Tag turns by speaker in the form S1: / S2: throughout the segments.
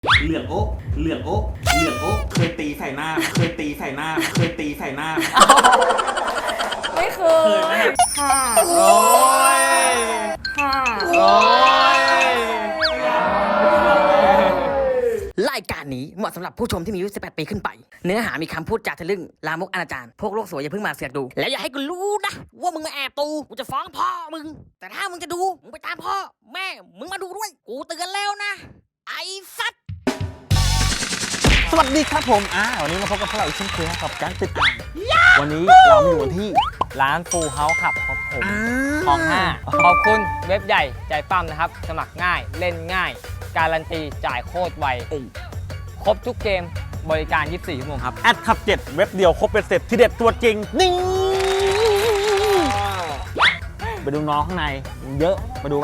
S1: เหลืองโอ๊ะเหลืองโอ๊ะเหลืองโอ๊ะเคยตีใส่หน้าเคยตีใส่หน้าเคยตีใส่หน้า
S2: ไม่เคยค่ะ
S3: โอ้ย
S2: ค่ะ
S3: โอ้ย
S4: รายการนี้เหมาะสำหรับผู้ชมที่มีอายุ 18 ปีขึ้นไป เนื้อหามีคำพูดจาทะลึ่ง ลามกอนาจารพวกโลกสวยอย่าเพิ่งมาเสือกดู แล้วอย่าให้กูรู้นะ ว่ามึงมาแอบดูกูจะฟ้องพ่อมึง แต่ถ้ามึงจะดู มึงไปตามพ่อ แม่ มึงมาดูด้วย กูเตือนแล้วนะ ไอ้สัตว์
S1: สวัสดีครับผมวันนี้มาพบกับพวกเราอีกเช่นเคยกับการติดอ่างวันนี้เรามาอยู่ที่
S3: ร้านฟูเฮาส์ครับผมคลอง 5ขอบคุณเว็บใหญ่ใจปั้มนะครับ สมัครง่ายเล่นง่าย การันตีจ่ายโคตรไวครบทุกเกมบริการ 24 ชั่วโมงครับ
S1: แอดขับ7เว็บเดียวครบเป็นเสร็จที่เด็ดตัวจริงนี่ไปดูน้องข้างในเยอะมาดูไป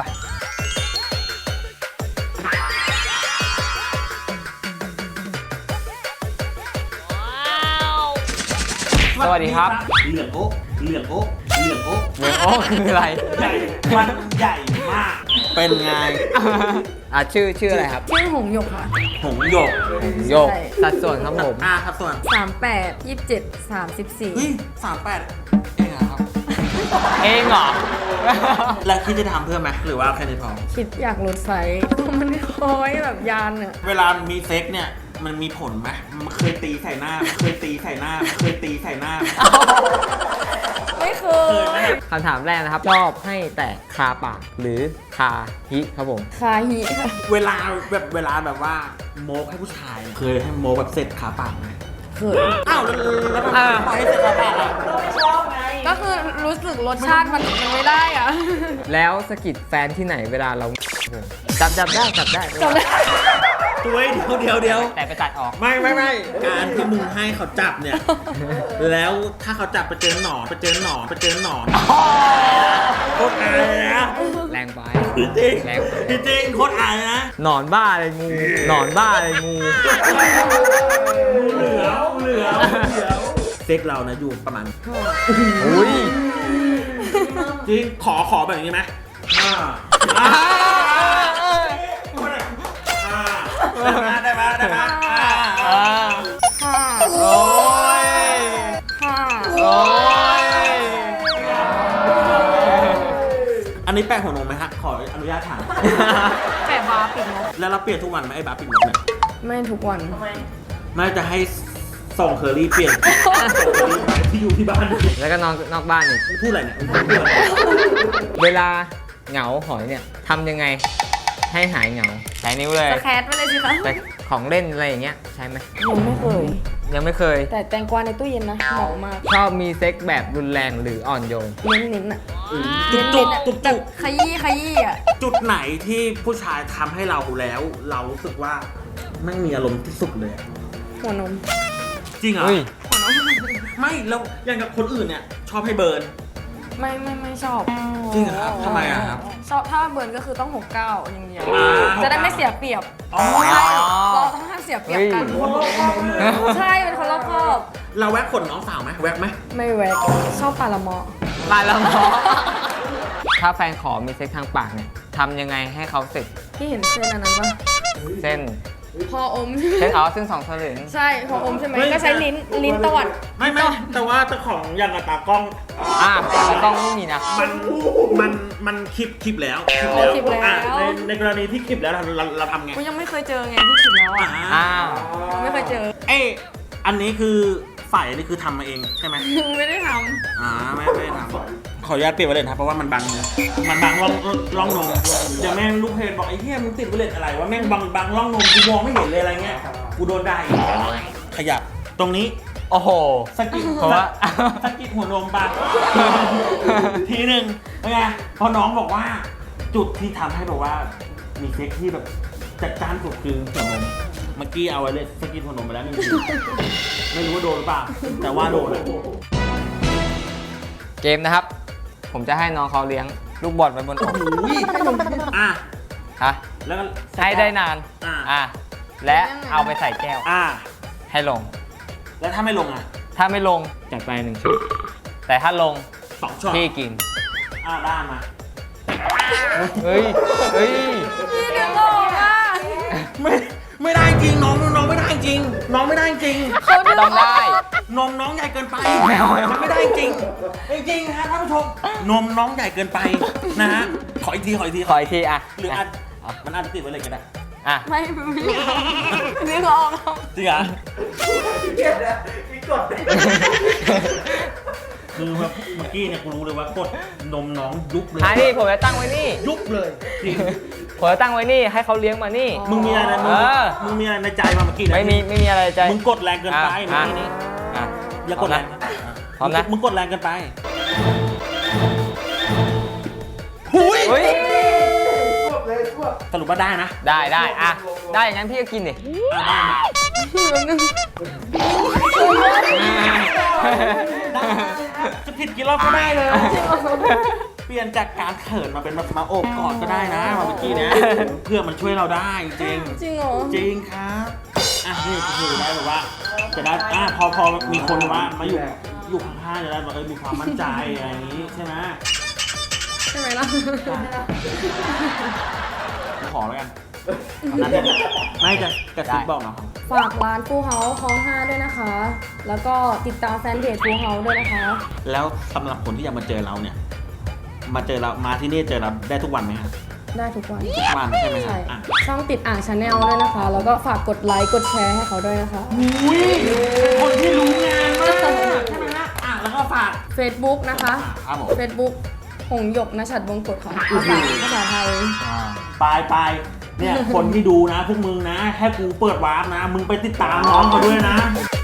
S3: สวัสดีครับ
S1: เหลืองโอ๊ะเหลืองโอ๊ะเหลืองโอ๊ะ
S3: เมืองโอ้คืออะไร
S1: ใหญ่มันใหญ่มากเป็นไง
S3: ชื่ออะไรครับ
S2: ชื่อหงหยกค่ะ
S1: หงหยก
S3: โยกสัดส่วนครับผม
S1: ครับส่วน
S2: 38 27 34
S1: เฮ้ย38เองเหรอครับ
S3: เองเหรอ
S1: แล้วคิดจะทำเพิ่มไหมหรือว่าแค่นี้พอ
S2: คิดอยากลดไซส์มันคล้อยแบบยานอะ
S1: เวลามีเซ็กเนี่ยมันมีผลไหมมันเคยตีใส่หน้าเคยตีใส่หน้าเคยตีใส่หน้า
S2: ไม่เคย
S3: คำถามแรกนะครับ ชอบให้แตะคาปากหรือคาฮิครับผม
S2: คาฮิค่ะ
S1: เวลาแบบว่าโมกให้ผู้ชายเนี่ยเคยให้โมกแบบเสร็จขาปากไหม
S2: เคย
S1: อ้าวแล้วทำไมปล่อยให้เสร็จขาปากอ่ะ
S2: ก็คือรู้สึกรสชาติมันไม่ได้อะ
S3: แล้วสะกิดแฟนที่ไหนเวลาเราจับได้
S2: จำได้
S1: ตัวเดียว
S3: แต่ไปตัดออก
S1: ไม่การที่มึงให้เขาจับเนี่ย แล้วถ้าเขาจับไปเจอหนอนโคตรอายเลยนะ
S3: แรงไป
S1: จริง
S3: แรงไป
S1: จริงโคตรอายนะ
S3: หนอนบ้าเลยงูหนอนบ้าเลยงู
S1: เหลือเซ็กเรานะอยู่ประมาณ
S3: อุ้ย
S1: จริงขอแบบนี้ไหมได้ไหม
S2: ค่ะ
S3: โอ้ย
S2: ค่ะ
S3: โอ้ย
S1: อันนี้แปะหัวนมไหมฮะขออนุญาตถาม
S2: แปะบาร์ปิดนก
S1: แล้วเราเปลี่ยนทุกวันไหมไอ้บาร์ปิดนกเนี่ย
S2: ไม่ทุกวัน
S1: ไม่จะให้ส่งเคอรี่เปลี่ยนที่อยู่ที่บ้าน
S3: แล้วก็นอกบ้านอีก
S1: พูดอะไรเนี่ย
S3: เวลาเหงาหอยเนี่ยทำยังไงให้หายเหงาใช้นิ้วเลย
S2: สแครตไปเลยสิคะ
S3: แต่ของเล่นอะไรอย่างเงี้ยใช่ไหม
S2: ยังไม่เคย
S3: ยังไม่เคย
S2: แต่แตงกวาในตู้เย็นนะเหมาะมาก
S3: ชอบมีเซ็กแบบรุนแรงหรืออ่อนโยน
S2: เน้นๆอะ
S1: จุก
S2: แบบขยี้อะ
S1: จุดไหนที่ผู้ชายทำให้เราแล้ว เรารู้สึกว่าไม่มีอารมณ์ที่สุดเลยอะ
S2: หัวนม
S1: จริงเหรอ
S3: อุ้ย
S1: ไม่แล้วอย่างกับคนอื่นเนี่ยชอบให้เบิร์น
S2: ไม่ชอบ
S1: จริงเหรอครับทำไมอะครับ
S2: ชอบถ้าเบิร์นก็คือต้อง69อย่างเดียว
S1: อ่า
S2: จะได้ไม่เสียเปรียบ
S1: อ๋อ
S2: ใช่เราต้องห้ามเสียเปรียบกันใช่เป็นคนรอบคอบ
S1: เราแวะขนน้องสาวไหมแวะไหม
S2: ไม่แวกชอบปลาละเมาะ
S3: ตายแล้วหมอถ้าแฟนขอมีเซ็กทางปากเนี่ยทำยังไงให้เขาเสร็จ
S2: ที่เห็นเส้นอันนั้นปะ
S3: เส้น
S2: พออม
S3: เส้นเส้นสองสลึง
S2: ใช่พออมใช่ไหมก็ใช้ลิ้นตวัด
S1: ไม่แต่ว่าเจ้าของอย่างกับตากล้อง
S3: แล้วต้องไม่มีนะ
S1: มันคลิปแล้ว
S2: คลิปแล้ว
S1: ในกรณีที่คลิปแล้วเราทำไง
S2: กูยังไม่เคยเจอไงที่คิดแล้วอ่ะ
S3: อ้าว
S2: ไม่เคยเจอ
S1: เอ้อันนี้คือฝ่ายนี่คือทำมาเองใช่ไหม
S2: ไม่ได้ท
S1: ไม่ได้ทำขออนุญาตเปลี่ยนไวเลสครับเพราะว่ามันบังมันบังร่องนมเดี๋ยวแม่งลูกเพจบอกไอ้เหี้ยมึงติดไวเลสอะไรวะแม่งบังร่องนมกูมองไม่เห็นเลยอะไรเงี้ยกูโดนได้ขยับตรงนี้
S3: โอ้โห
S1: สกิด
S3: เพราะว่า
S1: สกิดหัวนมปะทีหนึ่งเป็นไงพอน้องบอกว่าจุดที่ทำให้แบบว่ามีเซ็กที่แบบจัดจ้านสุดคือหัวนมเมื่อกี้เอาไว้เลยสกิดหัวนมไปแล้ว1 ทีไม่รู้ว่าโดนหรือเปล่าแต่ว่าโดนอะ
S3: เกมนะครับ ผมจะให้น้องเขาเลี้ยงลูกบอลไว้บนอก
S1: อ่ะ
S3: ฮะ
S1: แล้วก็
S3: ให้ได้นาน
S1: อ่ะ
S3: และเอาไปใส่แก้ว
S1: อ่ะ
S3: ให้ลง
S1: แล้วถ้าไม่ลงอ่ะ
S3: ถ้าไม่ลงจัดไป1 ชุด แต่ถ้าลง
S1: 2 ช็อต
S3: พี่กิน
S1: ได้มา
S3: เฮ้ย
S2: ำพี่เลี้ยงออกอ่ะ
S1: ไม่ไม่ได้จริงน้องไม่ได้จริงน้องไม่ได้จริง
S2: เขาดึง
S3: ต้องได้
S1: นมน้องใหญ่เกินไปมันไม่ได้จริงจริงฮะท่านผู้ชมนมน้องใหญ่เกินไปนะฮะขออีกที
S3: ขออีกทีอ่ะ
S1: หรือมันอาจจะติดไว้เลยก็ได้
S3: อ่ะ
S2: ไม่ดึงออก
S1: จริงเหรอคือแบบเมื่อกี้เนี่ยกูรู้เลยว่ากดนมน้องยุบเลย
S3: นี่ผมจะตั้งไว้นี่
S1: ยุบเลยจริง
S3: ผมจะตั้งไว้นี่ให้เขาเลี้ยงมานี่
S1: มึงมีอะไรนะ มึงมีอะไรในใจมาเมื่อกี้นะ
S3: ไม่มีอะไรใจ
S1: มึงกดแรงเกินไปเมื่อกี้นี้
S3: อ่ะ
S1: อย่ากดแรง
S3: พร้อมนะ
S1: มึงกดแรงเกินไปหุย
S3: เฮ้ย
S1: สรุปว่าได้นะ
S3: ได้อ่ะได้อย่างนั้นพี่ก็กินดิ
S1: ได้นะจะผิดกี่รอบก็ได้เลย เปลี่ยนจากการเขินมาเป็นมาโอบกอดก็ได้นะมาเมื่อกี้นะเพื่อมันช่วยเราได้จริง
S2: จริงเหรอ
S1: จริงครับอ่ะนี่คือได้แบบว่าจะได้พอมีคนว่ามาอยู่ข้างๆจะได้แบบมีความมั่นใจอะไรอย่างนี้ใช่ไหม
S2: ใช่ไหมล่ะ
S1: ขอแล้วกันนั่นเนี่ยไม่จะกระซิบบอกนะครับ
S2: ฝากร้านฟูเฮาคลอง5ด้วยนะคะ แล้วก็ติดตามแฟนเพจฟูเฮาด้วยนะคะ
S1: แล้วสำหรับคนที่อยากมาเจอเราเนี่ยมาเจอเรามาที่นี่เจอเราได้ทุกวันไหมครับ
S2: ได้ทุกวัน
S1: ทุกวันใช่ไหมครั
S2: ใช่
S1: บอ่ะ
S2: ช่องติดอ่างชาแนลด้วยนะคะ แล้วก็ฝากกดไลค์กดแชร์ให้เขาด้วยนะคะ
S1: อุ้ยคนที่รู้งานมากใช่ไหมฮะอ่ะแล้วก็ฝาก
S2: Facebook นะคะ
S1: ครับผม
S2: Facebook หงหยกนชัดวงกฎค่ะภาษาไทย
S1: ไปเนี่ยคนที่ดูนะพวกมึงนะแค่กูเปิดวาร์ปนะ มึงไปติดตามน้องเขาด้วยนะ